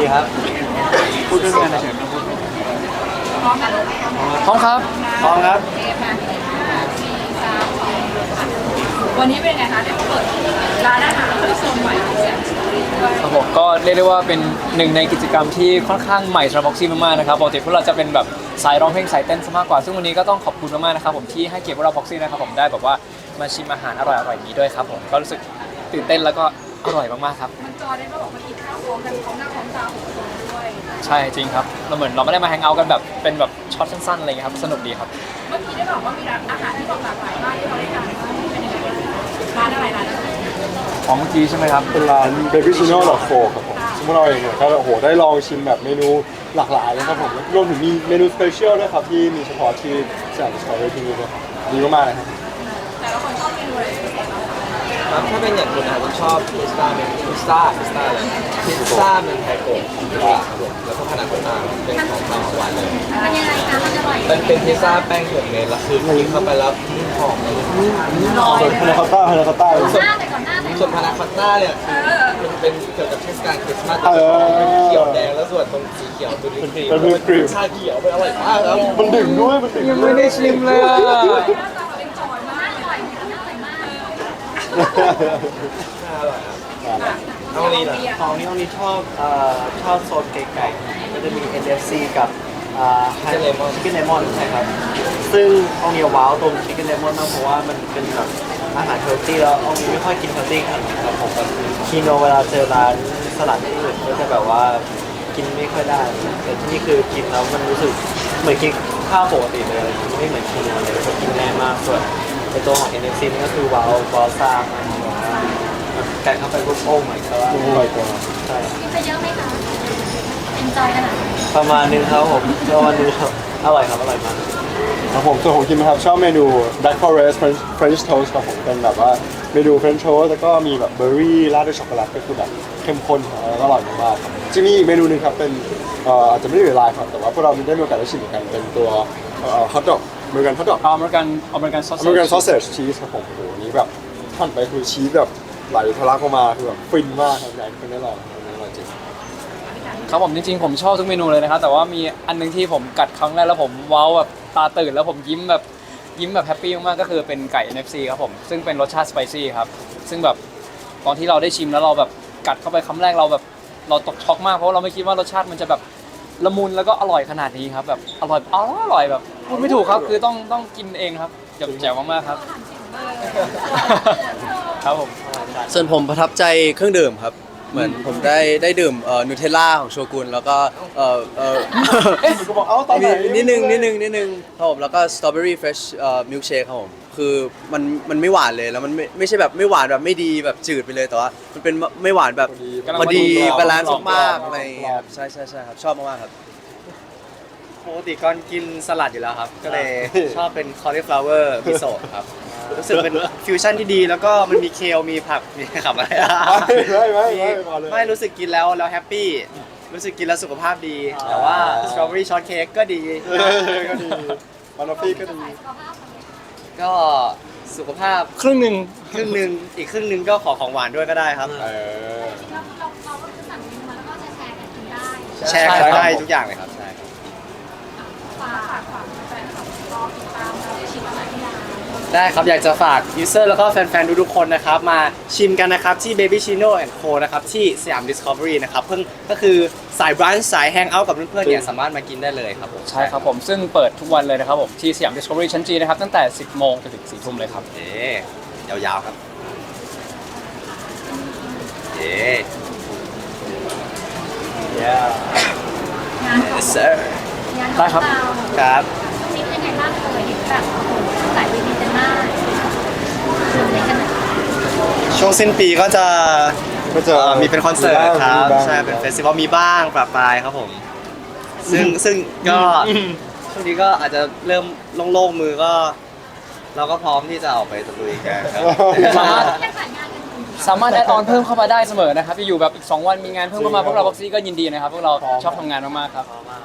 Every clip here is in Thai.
ครับพูดเรื่องงานเฉยๆพร้อมครับพร้อมครับวันนี้เป็นไงคะได้เปิดร้านอาหารที่โซนใหม่ของแสยามสตอรี่ด้วยครับผมก็เรียกได้ว่าเป็นหนึ่งในกิจกรรมที่ค่อนข้างใหม่สำหรับบ็อกซี่มากๆนะครับปกติพวกเราจะเป็นแบบสายร้องเพลงสายเต้นซะมากกว่าซึ่งวันนี้ก็ต้องขอบคุณมากๆนะครับผมที่ให้เกียรติพวกเราบ็อกซี่นะครับผมได้แบบว่ามาชิมอาหารอร่อยๆนี้ด้วยครับผมก็รู้สึกตื่นเต้นแล้วก็อร่อยมากๆครับมันจอได้ว่าบอกมากินข้าวพร้อมกันพร้อมหน้าพร้อมตาของคนด้วยใช่จริงครับเราเหมือนเราไม่ได้มาแฮงเอาท์กันแบบเป็นแบบช็อตสั้นๆอะไรเงี้ยครับสนุกดีครับเมื่อกี้ได้บอกว่ามีร้านอาหารที่บอกหลากหลายมากที่เราได้ทานมาเป็นยังไงบ้างร้านอะไรร้านอะไรของเมื่อกี้ใช่ไหมครับเป็นร้าน Baby Chino .4 ครับผมซึ่งพวกเราเองเนี่ยก็โอ้โหได้ลองชิมแบบเมนูหลากหลายนะครับผมรวมถึงมีเมนูสเปเชียลด้วยครับที่มีเฉพาะที่สยามสตอรี่ที่นี่ด้วยครับดีมากๆเลยครับแต่ละคนชอบเมนูอะไรเป็นพิเศษบ้างคะครับถ้าเป็นอย่างคุณอาจจะชอบพิซซ่าเป็นพิซซ่าเลยพิซซ่าเป็นไทโกะของที่ครับผมแล้วก็พานาโคตต้าเป็นของข้าวของหวานเลยมันยังไงคะมันอร่อยเป็นพิซซ่าแป้งผงเนยแล้วคือกินเข้าไปแล้วนุ่มหอมเลยส่วนพานาคอตต้าหน้าแต่ก่อนหน้าแต่ส่วนพานาคอตต้าเนี่ยมันเป็นเกี่ยวกับเทศกาลคริสต์มาสเป็นเขียวแดงแล้วส่วนตรงสีเขียวเป็นครีมเป็นวิปครีมชาเขียวเป็นอร่อยมากครับมันดึงด้วยมันดึงยังด้วไม่ยได้ชิมเลยอ่ะหน้าตาเราเป็นจอยมากอร่อยหน้าอร่อยมากอร่อยครับเอาลีนะของนี้ชอบโซนไก่ๆก็จะมี NFC กับชิคเก้นเลมอนใช่ครับ ซึ่งองนี้ว้าวตรงชิคเก้นเลมอนมากเพราะว่ามันเป็นแบบอาหารเฮลตี้แล้วองนี้ไม่ค่อยกินเฮลตี้ขนาดนั้นครับผมแบบคีโนเวลาเจอร้านสลัดอื่นก็จะแบบว่ากินไม่ค่อยได้ แต่ที่นี่คือกินแล้วมันรู้สึกเหมือนกินข้าวปกติเลยไม่เหมือนคีโนเลยก็กินง่ายมากส่วนในตัวของ NFC นี่ก็คือว้าวซ่ามากไก่เข้าไปปุ๊บโอ้ my god อร่อยกว่าใช่กินไปเยอะไหมคะเอ็นจอยขนาดไหนประมาณนึงครับผมประมาณนึงครับอร่อยครับอร่อยมากครับผมส่วนของคิมนะครับชอบเมนู Black Forest French Toast ครับผมเป็นแบบว่าเมนู French Toast แล้วก็มีแบบเบอร์รี่ราดด้วยช็อกโกแลตก็คือแบบเข้มข้นแล้วก็อร่อยมากๆครับจะมีอีกเมนูหนึงครับเป็นอาจจะไม่ได้อยู่ในไลน์ครับแต่ว่าพวกเราได้มีโอกาสได้ชิมเหมือนกันเป็นตัวฮอทดอกอเมริกันฮอทดอกอเมริกันซอสอเมริกันซอสเซจชีสครับผมโอ้โหนี้แบบหั่นไปคือชีสแบบไหลทะลักออกมาคือแบบฟินมากครับอยากให้คุณได้ลองอันนี้อร่อยจริงครับผมจริงๆผมชอบทุกเมนูเลยนะครับแต่ว่ามีอันนึงที่ผมกัดครั้งแรกแล้วผมว้าวแบบตาตื่นแล้วผมยิ้มแบบแฮปปี้มากๆก็คือเป็นไก่ NFC ครับผมซึ่งเป็นรสชาติสไปซี่ครับซึ่งแบบตอนที่เราได้ชิมแล้วเราแบบกัดเข้าไปคำแรกเราตกช็อกมากเพราะเราไม่คิดว่ารสชาติมันจะแบบละมุนแล้วก็อร่อยขนาดนี้ครับแบบอร่อยแบบพูดไม่ถูกครับคือต้องกินเองครับแจ๋วมากๆครับ ครับผมส่วนผมประทับใจเครื่องดื่มครับ เหมือนผมได้ดื่มนูเทลล่าของโชกุนแล้วก็ก็บอกเอ้าตอนไหนนิดนึงครับผมแล้วก็สตรอเบอรี่เฟรชมิลค์เชคครับผมคือมันไม่หวานเลยแล้วมันไม่ใช่แบบไม่หวานแบบไม่ดีแบบจืดไปเลยแต่ว่ามันเป็นไม่หวานแบบพอดีบาลานซ์มากๆอะไรอย่างเงี้ยครับใช่ครับชอบมากๆครับปกติก่อนกินสลัดอยู่แล้วครับ ก็เลยชอบเป็น cauliflower มิโซะครับ รู้สึกเป็นฟิวชั่นที่ดีแล้วก็มันมีเคลมีผักมีขับอะไรไม่รู้สึกกินแล้วแฮปปี้รู้สึกกินแล้วสุขภาพดี แต่ว่าสตรอเบอรี่ช็อตเค้กก็ดีก็ดีบานอฟฟี่ก็ดีก็สุขภาพครึ่งหนึ่งครึ่งหนึ่งอีกครึ่งหนึ่งก็ขอของหวานด้วยก็ได้ครับเออเราก็คือสั่งเมนูมาแล้วก็จะแชร์กันกินได้แชร์กันได้ทุกอย่างเลยครับใช่ครับฝากแฟนคลับรอติดตามเราได้ชิมอาหารที่ร้านได้ครับ อยากจะฝากยูเซอร์แล้วก็แฟนๆทุกๆคนนะครับ มาชิมกันนะครับ ที่ Baby Chino Co นะครับ ที่สยาม Discovery นะครับ เพิ่งก็คือสายบรันช์สายแฮงเอาท์กับเพื่อนๆเนี่ยสามารถมากินได้เลยครับผมใช่ครับผมซึ่งเปิดทุกวันเลยนะครับผมที่สยาม Discovery ชั้นจีนะครับตั้งแต่ 10 โมงจนถึง 4 ทุ่มเลยครับเอ๊ยาวๆครับเอ๊งานของ sir งานขได้องครับเราครับช่วงนี้เป็นยังไงบ้างเลยเห็นแบบโอ้โหหลายเวทีกันมากตื่นเต้นกันไหมช่วงสิ้นปีก็จะก็จะมีเป็นคอนเสิร์ตครับมีางใช่เป็นเฟสติวัลมีบ้างประปรายครับผม ซึ่งก็ช่วงนี้ก็อาจจะเริ่มโล่งๆมือก็ เราก็พร้อมที่จะออกไปตะลุยกันครับสามารถยังขายงานกันอยู่สามารถแอดออนเพิ่มเข้ามาได้เสมอนะครับอยู่แบบอีก 2 วันมีงานเพิ่มเข้ามาพวกเราบ็อกซี่ก็ยินดีนะครับพวกเราชอบทำงานมากๆครับ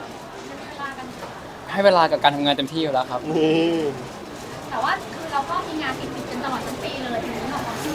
ให้เวลากับการทำงานเต็มที่อยู่แล้วครับนี่แต่ว่าคือเราก็มีงานติดกันตลอดทั้งปีเลยถึงของที่เนาะ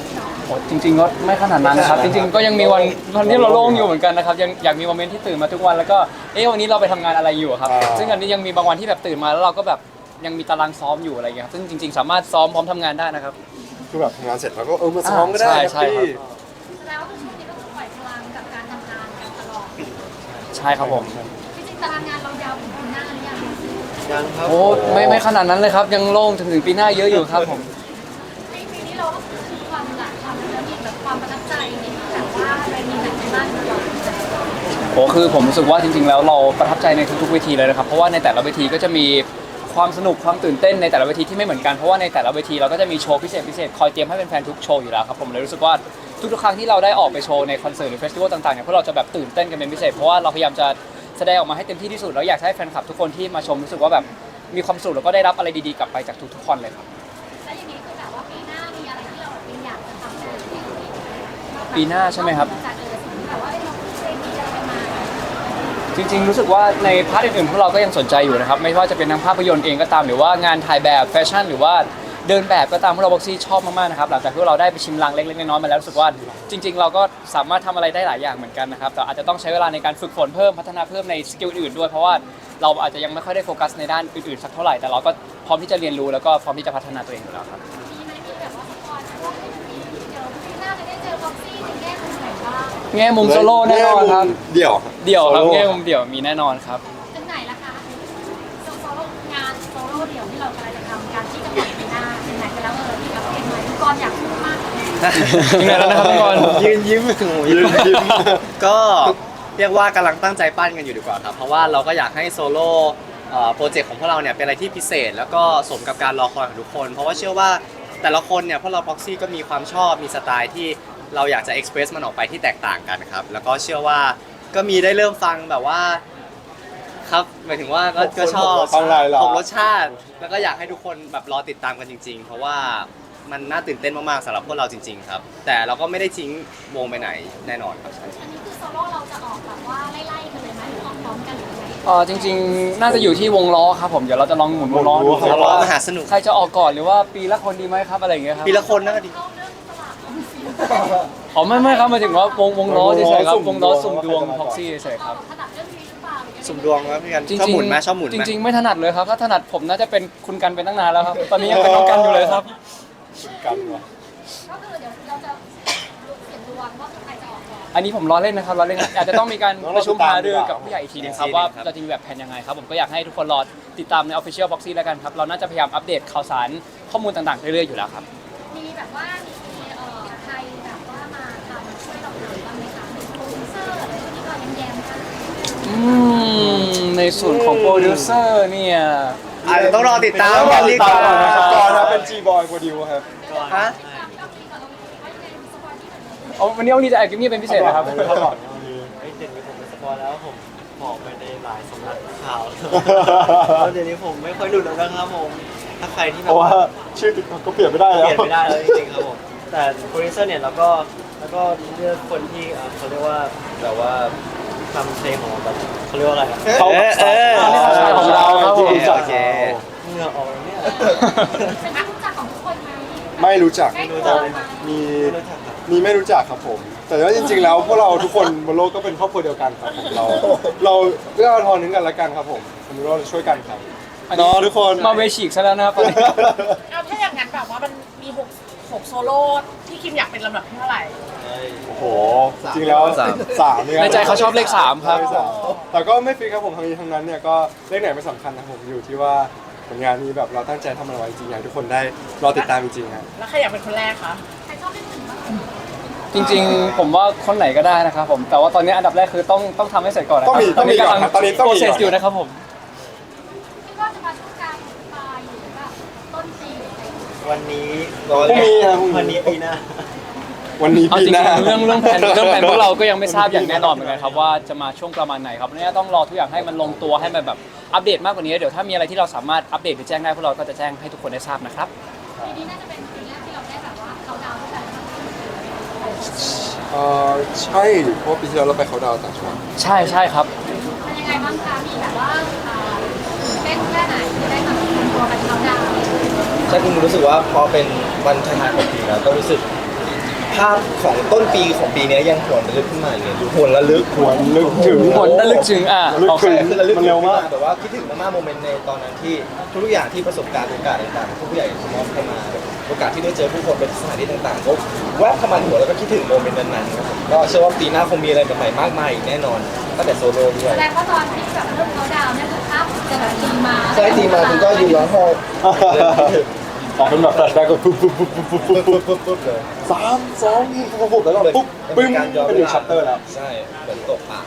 โอ้จริงๆก็ไม่ขนาดนั้นนะครับ จริงๆก็ยังมีวันที่เราโล่งอยู่เหมือนกันนะครับยังอยากมีโมเมนต์ที่ตื่นมาทุกวันแล้วก็วันนี้เราไปทำงานอะไรอยู่ครับซึ่งอันนี้ยังมีบางวันที่แบบตื่นมาแล้วเราก็แบบยังมีตารางซ้อมอยู่อะไรอย่างเงี้ยครับซึ่งจริงๆสามารถซ้อมพร้อมทำงานได้นะครับคือแบบทำงานเสร็จแล้วก็มาซ้อมก็ได้ใช่แฮปปี้ครับแสดงว่าคือช่วงนี้ก็คือปล่อยพลังกับการทำงานกันตลอดใช่ครับผมจริงๆตารางงานเรายาวถึงปีหน้าหรือยังยังครับโอ้ไม่ขนาดนั้นเลยครับยังโล่งถึงปีหน้าเยอะอยู่ครับผมในปีนี้เราก็คือความหลากความแล้วมีแบบความประทับใจในแบบว่าอะไรมีไหนบ้างเราโอ้คือผมรู้สึกว่าจริงๆแล้วเราประทับใจในทุกๆเวทีเลยนะครับเพราะว่าในแต่ละเวทีก็จะมีความสนุกความตื่นเต้นในแต่ละเวทีที่ไม่เหมือนกันเพราะว่าในแต่ละเวทีเราก็จะมีโชว์พิเศษคอยเตรียมให้แฟนๆทุกโชว์อยู่แล้วครับผมเลยรู้สึกว่าทุกๆครั้งที่เราได้ออกไปโชว์ในคอนเสิร์ตหรือเฟสติวัลต่างๆเนี่ยพวกเราจะแบบตื่นเต้นกันเป็นพิเศษเพราะว่าเราพยายามจะแสดงออกมาให้เต็มที่ที่สุดแล้วอยากให้แฟนคลับทุกคนที่มาชมรู้สึกว่าแบบมีความสุขแล้วก็ได้รับอะไรดีๆกลับไปจากทุกๆคนเลยครับแล้วอย่างนี้คือแบบว่าปีหน้ามีอะไรที่เราแบบอยากจะทำในปีนี้ปีหน้าใช่ไหมครับจากสิ่งที่แบบว่าเราเคยมีอะไรมาจริงๆรู้สึกว่าในพาร์ทอื่นๆพวกเราก็ยังสนใจอยู่นะครับไม่ว่าจะเป็นทั้งภาพยนตร์เองก็ตามหรือว่างานถ่ายแบบแฟชั่นหรือว่าเดินแบบก็ตามพวกเราบ็อกซี่ชอบมากๆนะครับหลังจากที่เราได้ไปชิมลางเล็กๆน้อยๆมาแล้วรู้สึกว่าจริง ๆ เราก็สามารถทำอะไรได้หลายอย่างเหมือนกันนะครับแต่อาจจะต้องใช้เวลาในการฝึกฝนเพิ่มพัฒนาเพิ่มในสกิลอื่นด้วยเพราะว่าเราอาจจะยังไม่ค่อยได้โฟกัสในด้านอื่นๆสักเท่าไหร่แต่เราก็พร้อมที่จะเรียนรู้แล้วก็พร้อมที่จะพัฒนาตัวเองอยู่แล้วครับมีไหมมีแบบว่าสปอยล์ว่าเดี๋ยวปีหน้าจะได้เจอบ็อกซี่ในแง่มุมไหนบ้างแง่มุมโซโล่แน่นอนครับเดี่ยวเดี่ยวครับแง่มุมเดี่ยวมีแน่นอนครับถึงไหนละคะโซโล่งานโซโล่เดี่ยวที่เรากำลังจะทำการที่จะปล่อยปีหน้าถึงไหนไปแล้วมีกับเพลงไหมทุกคนอยากพูดมากเลยถึงไหนแล้วนะครับทุกคนยืนยิ้มยืนยิ้มก็เรียกว่ากำลังตั้งใจปั้นกันอยู่ดีกว่าครับ เพราะว่าเราก็อยากให้โซโล่โปรเจกต์ของพวกเราเนี่ยเป็นอะไรที่พิเศษ แล้วก็สมกับการรอคอยของทุกคน เพราะว่าเชื่อว่าแต่ละคนเนี่ยพวกเราพ็อกซี่ก็มีความชอบมีสไตล์ที่เราอยากจะเอ็กซ์เพรสมันออกไปที่แตกต่างกันครับแล้วก็เชื่อว่าก็มีได้เริ่มฟังแบบว่าครับหมายถึงว่าก็ชอบฟังหลายๆผมรสชาติ แล้วก็อยากให้ทุกคนแบบรอติดตามกันจริง ๆ เพราะว่ามันน่าตื่นเต้นมากๆสำหรับพวกเราจริง ๆ ครับ แต่เราก็ไม่ได้ทิ้งวงไปไหนแน่นอนครับอันนี้คือโซโล่เราจะออกแบบว่าไล่ๆกันเลยไหมหรือออกพร้อมกันหรือไงจริงๆ น่าจะอยู่ที่วงล้อครับผมเดี๋ยวเราจะลองหมุนวงล้อดูวงล้อครับว่ามหาสนุกใครจะออกก่อนหรือว่าปีละคนดีไหมครับอะไรอย่างเงี้ยครับปีละคนน่าดีเข้าเรื่องสลากออมสินอ๋อไม่ครับหมายถึงว่าวงล้อเฉยๆครับสุ่มวงล้อดวงสุ่มดวงว่าใครจะพ็อกซี่เฉยๆครับถนัดเรื่องนี้หรือเปล่าหรือยังไงสุ่มดวงครับพี่กันจริงชอบๆหมุนไหมชอบหมุนไหมจริงๆไม่ถนัดเลยครับถ้าถนัดผมน่าจะเป็นคุณกันเป็นตั้งนานแล้วครับตอนนี้ยังเป็นน้องกันอยู่เลยครับกันวะก็คือเดี๋ยวเราจะเสียงดวงว่าใครจะออกก่อนอันนี้ผมล้อเล่นนะครับล้อเล่นอาจจะต้องมีการประชุมหารือกับต้องรอติดตามผู้ใหญ่อีกทีนึงครับว่าเราจะมีแบบแผนยังไงครับผมก็อยากให้ทุกคนรอติดตามใน Official Boxy แล้วกันครับเราน่าจะพยายามอัปเดตข่าวสารข้อมูลต่างๆเรื่อยๆอยู่แล้วครับมีแบบว่ามีใครแบบว่ามาทำช่วยเราหรือบ้างไหมคะมีโปรดิวเซอร์อะไรที่ก็แย้มๆกันในส่วนของโปรดิวเซอร์เนี่ยอาจจะต้องรอติดตามต้องรกัอน ติดีดกตาว่ามนะครับก่อนนะเป็น G-Boy โปรดิวครับฮะวันนี้จะแอบกิมมี่เป็นพิเศษนะครับเขาบอกวันนี้เดี๋ยวนี้ผมเป็นสปอยแล้วผมบอกไปในหลายสำนักข่าวแล้วเดี๋ยวนี้ผมไม่ค่อยหลุดแล้วนะครับผมถ้าใครที่เพแบบราะว่าว่าชื่อติ๊กต็อกก็เปลี่ยนไม่ได้แล้วเปลี่ยนไม่ได้แล้วจริงๆครับผมแต่โปรดิวเซอร์เนี่ยแล้วก็เลือกคนที่เขาเรียกว่าแบบว่าทำเพลงของเราแบบเขาเรียกว่าอะไรอะเขาสายของเราครับผมโอเคเหงื่อออกแล้วเนี่ยเป็นที่รู้จักของทุกคนไหมไม่รู้จักได้ตัวไหมมีไม่รู้จักครับมีไม่รู้จักครับผม แต่ว่าจริงๆแล้วพวกเราทุกคนบนโลกก็เป็นครอบครัวเดียวกันครับผมเราเอื้ออาทรนึงกันและกันครับผมผมรู้ว่าเราช่วยกันครับ เนาะทุกคนมาเวชิกซะแล้วนะครับตอนนี้เอาถ้าอย่างนั้นแบบว่ามันมี6โซโล่ที่คิมอยากเป็นลำดับที่เท่าไหร่โอ้โห จริงแล้วสามเนี่ยในใจเขาชอบเลข3ครับเลขสามแต่ก็ไม่ฟิกครับผมทั้งนั้นเนี่ยก็เลขไหนไม่สำคัญนะผมอยู่ที่ว่าผลงานนี้แบบเราตั้งใจทำมันไว้จริงอยากให้ทุกคนได้รอติดตามจริงๆครับแล้วใครอยากเป็นคนแรกคะใครชอบเล่นหนึ่งบ้างจริงๆ ผมว่าคนไหนก็ได้นะครับผมแต่ว่าตอนนี้อันดับแรกคือต้องทำให้เสร็จก่อนนะคต้รัองมีก่อนครับตอนนี้ต้องมีโปรเซสก่อนอยู่นะครับผมคิดว่าจะมาช่วงกลางปลายหรือแบบต้นปีอะไรอย่างเงี้ยวันนี้พรุ่งนี้ครับพรุ่งวันนี้ปีหน้าวันนี้เอาปีจริงหน้าๆเรื่องแผนพวกเราก็ยังไม่ทราบอย่างแน่นอนเหมือนกันครับว่าจะมาช่วงประมาณไหนครับเนี่ยต้องรอทุกอย่างให้มันลงตัวให้มันแบบอัปเดตมากกว่านี้เดี๋ยวถ้ามีอะไรที่เราสามารถอัปเดตหรือแจ้งได้พวกเราก็จะแจ้งให้ทุกคนได้ทราบนะครับปีนี้น่าจะเป็นปีแรกที่เราได้แบบว่าเขาดาวน์ด้วยกันใช่เพราะปีที่แล้วเราไปเขาดาวน์ต่างจังหวัดใช่ครับเป็นยังไงบ้างคะมีแบบว่าเต้นแค่ไหนจะได้มาเป็นตัวกันเขาดาวน์ใช่คุณรู้สึกว่าพอเป็นวันท้ายๆของปีแล้วก็รู้สึกภาพของต้นปีของปีนี้ยังหวนระลึกขึ้นมาอย่างเงี้ยหวนระลึกหวนลึกถึงผลระลึกถึงระลึกโอเคถึงคือระลึกมันเร็วมากแบบว่าคิดถึงมากๆโมเมนต์ในตอนนั้นที่ทุกอย่างที่ประสบการณ์โอกาสต่างๆทุกผู้ใหญ่มอบเข้ามาโอกาสที่ได้เจอผู้คนเป็นสถานที่ต่างๆก็แวบเข้ามาในหัวแล้วก็คิดถึงโมเมนต์นั้นๆครับผมก็เชื่อว่าปีหน้าคงมีอะไรใหม่ๆมากมายอีกแน่นอนตั้งแต่โซโล่ด้วแสยดงว่าตอนที่แบบเริ่มเขาดาวน์เนี่ยคือภาพจะแบบตีมาใช่ทีมาคุณก็ยืนร้องไห้เดินคิดถึงออกเป็นแบบแฟลชแบ็กก็ปุ๊บปุ๊บปุ๊บปุ๊บปุ๊บปุ๊บปุ๊บปุ๊บปุ๊บเลย 3 2ปุ๊บแล้วก็ปุ๊บปึ้งเป็นอีกชัปเตอร์แล้วใช่เหมือนตกปาก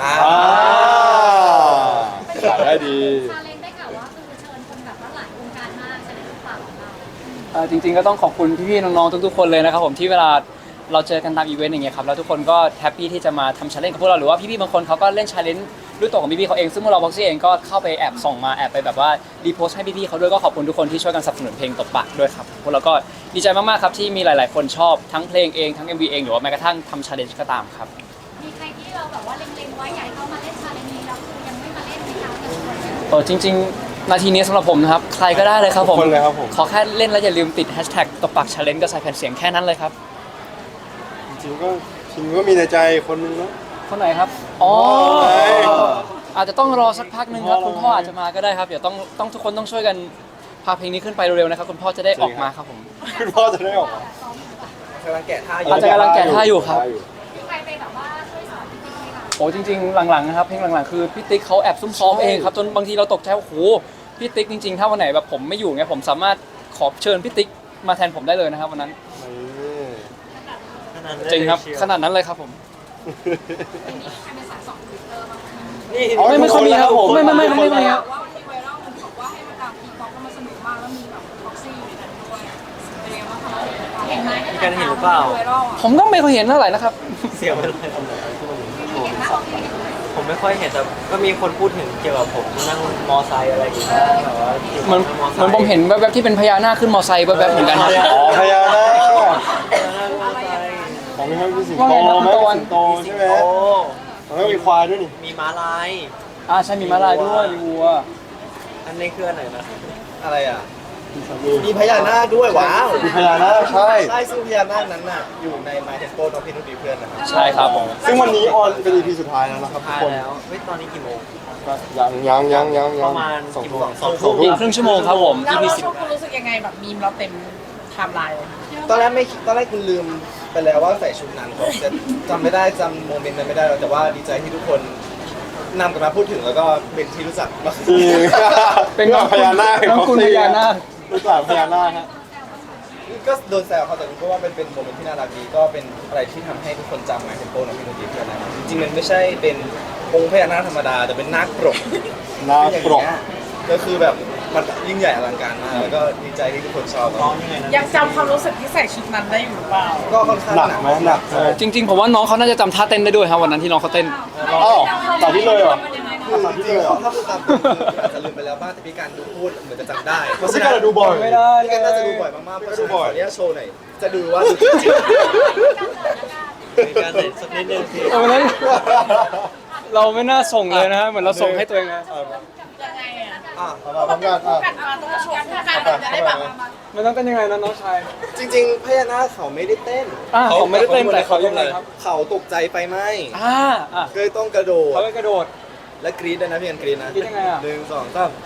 ขายได้ดีซาเล้งได้ข่าวว่าคือเชิญคนแบบว่าหลายวงการมากใช่ไหมฝากของเราจริงๆก็ต้องขอบคุณพี่ๆน้องๆทุกๆคนเลยนะครับผมที่เวลาเราเจอกันตามอีเวนต์อย่างเงี้ยครับแล้วทุกคนก็แฮปปี้ที่จะมาทำชาเลนจ์กับพวกเราหรือว่าพี่ๆบางคนเขาก็เล่นชาเลนจ์ด้วยตัวของพี่ๆเขาเองซึ่งพวกเราบ็อกซี่เองก็เข้าไปแอบส่องมาแอบไปแบบว่ารีโพสต์ให้พี่ๆเขาด้วยก็ขอบคุณทุกคนที่ช่วยกันสนับสนุนเพลงตบปากด้วยครับพวกเราก็ดีใจมากๆครับที่มีหลายๆคนชอบทั้งเพลงเองทั้ง MV เองหรือว่าแม้กระทั่งทำชาเลนจ์ก็ตามครับมีใครที่เราแบบว่าเล็งๆไว้อยากให้เขามาเล่นชาเลนจ์นี้แล้วคือยังไม่มาเล่นในคราวนี้จริงๆนาทีนี้สำหรับผมนะครับใครก็ได้เลยครับผมทุกคนเลยครับผมขอแค่เล่นแล้วอย่าลืมติดแฮชแท็กตบปากชาเลนจ์กับใส่แผ่นเสียงแค่นั้นเลยครับจริงก็มีในใจคนนึงนะคนไหนครับอ๋อใช่อาจจะต้องรอสักพักหนึ่งครับคุณพ่ออาจจะมาก็ได้ครับเดี๋ยวต้องทุกคนต้องช่วยกันพาเพลงนี้ขึ้นไปเร็วๆนะครับคุณพ่อจะได้ออกมาครับผมคุณพ่อจะได้ออกมากำลังแกะท่าอยู่อาจจะกำลังแกะท่าอยู่ครับมีใครไปแบบว่าช่วยสอนจริงๆไหมคะโอ้จริงๆหลังๆนะครับเพลงหลังๆคือพี่ติ๊กเขาแอบซุ่มซ้อมเองครับจนบางทีเราตกใจว่าโอ้โหพี่ติ๊กจริงๆถ้าวันไหนแบบผมไม่อยู่เงี้ยผมสามารถขอเชิญพี่ติ๊กมาแทนผมได้เลยนะครับวันนั้นจริงครับขนาดนั้นเลยครับผมทีนี้ใครเป็นสายสองทวิตเตอร์บ้างไม่ค่อยมีครับผมไม่มีครับว่ามีไวรัลมันบอกว่าให้มาตามทีป๊อปแล้วมันสนุกมากแล้วมีแบบบ็อกซี่อยู่ในนั้นด้วยเป็นยังไงบ้างคะเห็นไหมมีการเห็นหรือเปล่าไวรัลอ่ะผมก็ไม่เคยเห็นเท่าไหร่นะครับเสียงเป็นไรเห็นไหมโอเคผมไม่ค่อยเห็นแต่ก็มีคนพูดถึงเกี่ยวกับผมนั่งมอไซค์อะไรอย่างเงี้ยแบบว่าขี่เหมือนมอไซเหมือนค์ผมเห็นแวบๆที่เป็นพญานาคขึ้นมอไซค์แวบๆเหมือนกันครับอ๋อพญานาคนั่งมอไซค์ของนี่มันเป็นสิงโตไหมเป็นสิงโตใช่ไหมโอ้มันก็มีควายด้วยนี่มีม้าลายใช่มีม้าลายด้วยมีวัวอันนี้คืออันไหนนะอะไรอ่ะมีพญานาคด้วยว้าวมีพญานาคใช่ใช่ซึ่งพญานาคนั้นน่ะอยู่ใน My Tempo น้องพี่นุ่นดีเพื่อนนะครับใช่ครับผมซึ่งวันนี้ออนเป็น EP สุดท้ายแล้วนะครับทุกทายคนแล้วเฮ้ยตอนนี้กี่โมงก็ยังประมาณสองกี่ทุ่โมมง2 ทุ่มอีกครึ่งชั่วโมงครับผมแล้ว EP ช่วงคุณรู้สึกยังไงแบบมีมเราเต็มไทม์ไลน์เลยตอนแรกคุณลืมไปแล้วว่าใส่ชุดนั้นผมจะจำไม่ได้จำโมเมนต์นั้นไม่ได้แล้วแต่ว่าดีใจที่ทุกคนนำกันมาพูดถึงแล้วก็เป็นที่รู้จักมากจริงเป็นน้องพญานาคน้องคุณพญานาครู้จักพญานาคฮะก็โดนแซวเขาแต่ก็ว่าเป็นโมเมนต์ที่น่ารักดีก็เป็นอะไรที่ทำให้ทุกคนจำ My Tempo น้องพี่นุ่นดีเพื่อนนะครับจริงๆมันไม่ใช่เป็นองค์พญานาคธรรมดาแต่เป็นนาคปรกนาคปรกก็คือแบบมันยิ่งใหญ่อลังการมากแล้วก็ดีใจที่ทุกคนชอบน้องยังไงนะยังจำความรู้สึกที่ใส่ชุดนั้นได้อยู่หรือเปล่าก็ค่อนข้างหนักหนักไหมหนักใช่จริงๆผมว่าน้องเขาน่าจะจำท่าเต้นได้ด้วยครับวันนั้นที่น้องเขาเต้นอ้าวตัดที่เลยเหรอคือจริงๆถ้าพูดตามตรงคืออาจจะลืมไปแล้วบ้างแต่พี่การดูพูดเหมือนจะจำได้เพราะฉะพี่นั้กาน รดูบ่อยไม่ได้พี่การน่าจะดูบ่อยมากๆเพราะฉะนั้นขออนุญาตโชว์หน่อยจะดูว่าดูจริงมีการเห็นสักนิดนึงสิวันนั้นเราไม่น่าส่งเลยนะฮะเหมือนเราส่งให้ตัวเองนะยังไงอ่ะอ่ะมาพร้อมกันอ่ะกันมาต้องโชว์คู่กันจะได้แบบมันต้องเต้นยังไงนะน้องชายจริงๆพญานาคเขาไม่ได้เต้นผมไม่ได้เต้นแต่เขายังไงครับเขาตกใจไฟไหม้อ่าก็เลยต้องกระโดดเขาไปกระโดดและกรี๊ดด้วยนะพี่กันกรี๊ดนะกรี๊ดยังไงอ่ะ 1 2 3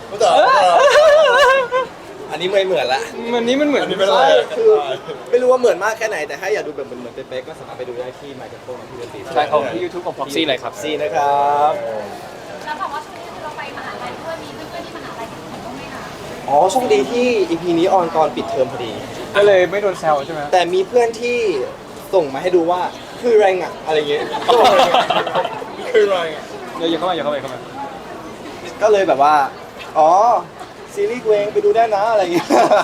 อันนี้ไม่เหมือนละวันนี้มันเหมือนไม่เป็นไรคือไม่รู้ว่าเหมือนมากแค่ไหนแต่ถ้าอยากดูแบบเหมือนเป๊ะๆก็สามารถไปดูได้ที่ My Tempo ของพี่ดนตรีใช่ของที่ YouTube ของ Proxy เลยครับซีนะครับแล้วบอกว่าช่วงนี้คือเราไปมหาลัยด้วยมีเพื่อนๆที่มหาลัยที่เห็นบ้างไหมคะอ๋อโชคดีที่ EP นี้ออนตอนปิดเทอมพอดีก็เลยไม่โดนแซวใช่ไหมแต่มีเพื่อนที่ส่งมาให้ดูว่าคือแรงอะอะไรเงี้ยก็บอกคือแรงอะอย่าเข้ามาอย่าเข้ามาก็เลยแบบว่า อ๋อ ซีรีส์กูเองไปดูได้นะอะไรเงี้ย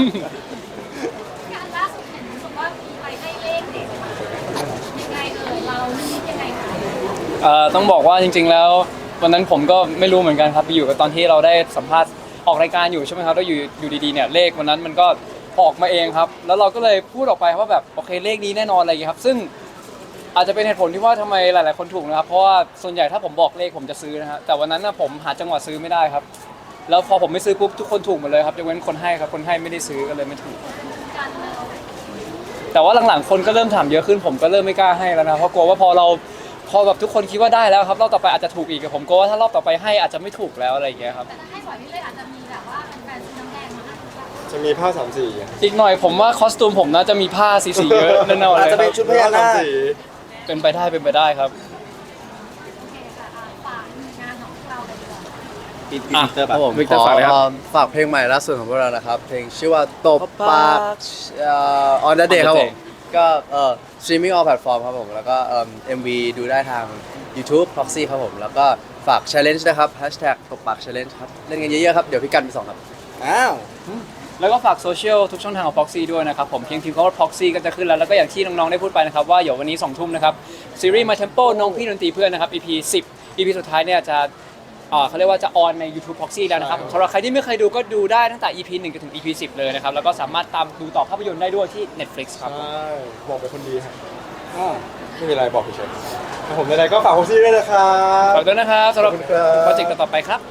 การล่าสุดเห็นรู้สึกว่ามีไปให้เลขเด็กมายังไงเราคิดยังไงคะต้องบอกว่าจริงๆแล้ววันนั้นผมก็ไม่รู้เหมือนกันครับไปอยู่กับตอนที่เราได้สัมภาษณ์ออกรายการอยู่ใช่ไหมครับแล้วอยู่ดีๆเนี่ยเลขวันนั้นมันก็ออกมาเองครับแล้วเราก็เลยพูดออกไปว่าแบบโอเคเลขนี้แน่นอนอะไรอย่างเงี้ยครับซึ่งอาจจะเป็นเหตุผลที่ว่าทำไมหลายๆคนถูกนะครับเพราะว่าส่วนใหญ่ถ้าผมบอกเลขผมจะซื้อนะฮะแต่วันนั้นนะผมหาจังหวะซื้อไม่ได้ครับแล้วพอผมไม่ซื้อปุ๊บทุกคนถูกหมดเลยครับยกเว้นคนให้ครับคนให้ไม่ได้ซื้อก็เลยไม่ถูกการเมืองแแต่ว่าหลังๆคนก็เริ่มถามเยอะขึ้นผมก็เริ่มไม่กล้าให้แล้วนะเพราะกลัวว่าพอแบบทุกคนคิดว่าได้แล้วครับรอบต่อไปอาจจะถูกอีกผมกลัวว่าถ้ารอบต่อไปให้อาจจะไม่ถูกแล้วอะไรอย่างเงี้ยครับแต่ถ้าให้บ่อยพี่เลยอาจจะมีแบบว่าแฟนๆซื้อน้ำแดงมาให้หรือเปล่าจะมีผ้าสามสีอีกหน่อยผมว่าคอสตูมผมน่าจะมีผ้าสีๆเยอะแน่นอนเลยอาจจะเป็นชุดพญานาคสีเป็นไปได้ครับโอเคค่ะฝากงานของเราเลยดีกว่าปีปีอ่ะเตอร์ครับผมวิกเตอร์ฝากเลยครับฝากเพลงใหม่ล่าสุดของพวกเรานะครับ เพลงชื่อว่าตบปากon the day ครับผม ก็streaming all platform ครับผม แล้วก็MV ดูได้ทาง YouTube Proxy ครับผม แล้วก็ฝาก challenge นะครับ hashtag ตบปาก challenge ครับ เล่นกันเยอะๆครับ เดี๋ยวพี่กันไปส่งครับอ้าวแล้วก็ฝากโซเชียลทุกช่องทางของ Proxy ด้วยนะครับผมเพียงพิมพ์คำว่า Proxy ก็จะขึ้นแล้วก็อย่างที่น้องๆได้พูดไปนะครับว่าเดี๋ยววันนี้2 ทุ่มนะครับซีรีส์ My Tempo น้องพี่ดนตรีเพื่อนนะครับ EP 10 EP สุดท้ายเนี่ยจะเขาเรียกว่าจะออนใน YouTube Proxy แล้วนะครับสำหรับใครที่ไม่เคยดูก็ดูได้ตั้งแต่ EP 1จนถึง EP 10 เลยนะครับแล้วก็สามารถตามดูต่อภาพยนตร์ได้ด้วยที่ Netflix ครับใช่บอกเป็นคนดีครับไม่มีอะไรบอกเฉยๆครับผมในๆก็ฝากโฮซี่ด้วยนะครับฝากด้วยนะครับสำหรับขอบคุณครับโปรเจกต์ต่อๆไปครับ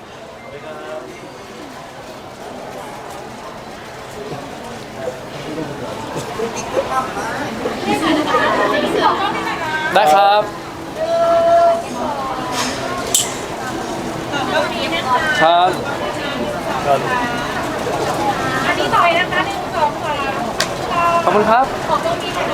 ได้ครับ ครับอันนี้ต่อยนะคะ1 2 3 ขอบคุณครับขอบคุณค่ะ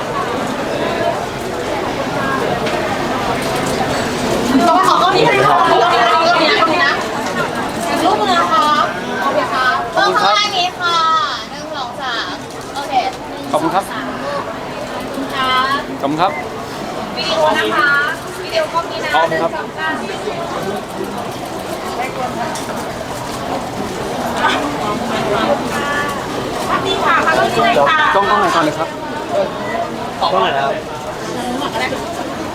ต้องขอต้นนี้นะคะต้นนี้นะรูปมือนะคะโอเคค่ะเริ่มข้างล่างนี้ค่ะ1 2 3โอเคขอบคุณครับค่ะขอบคุณครับวิดีโอนะคะวิดีโอกล้องนี้นะพร้อมครับ 1 2 3นี่ค่ะค่ะต้องนี้เลยค่ะกล้องไหนก่อนเลยครับต้องไหนครับหมดแล้ว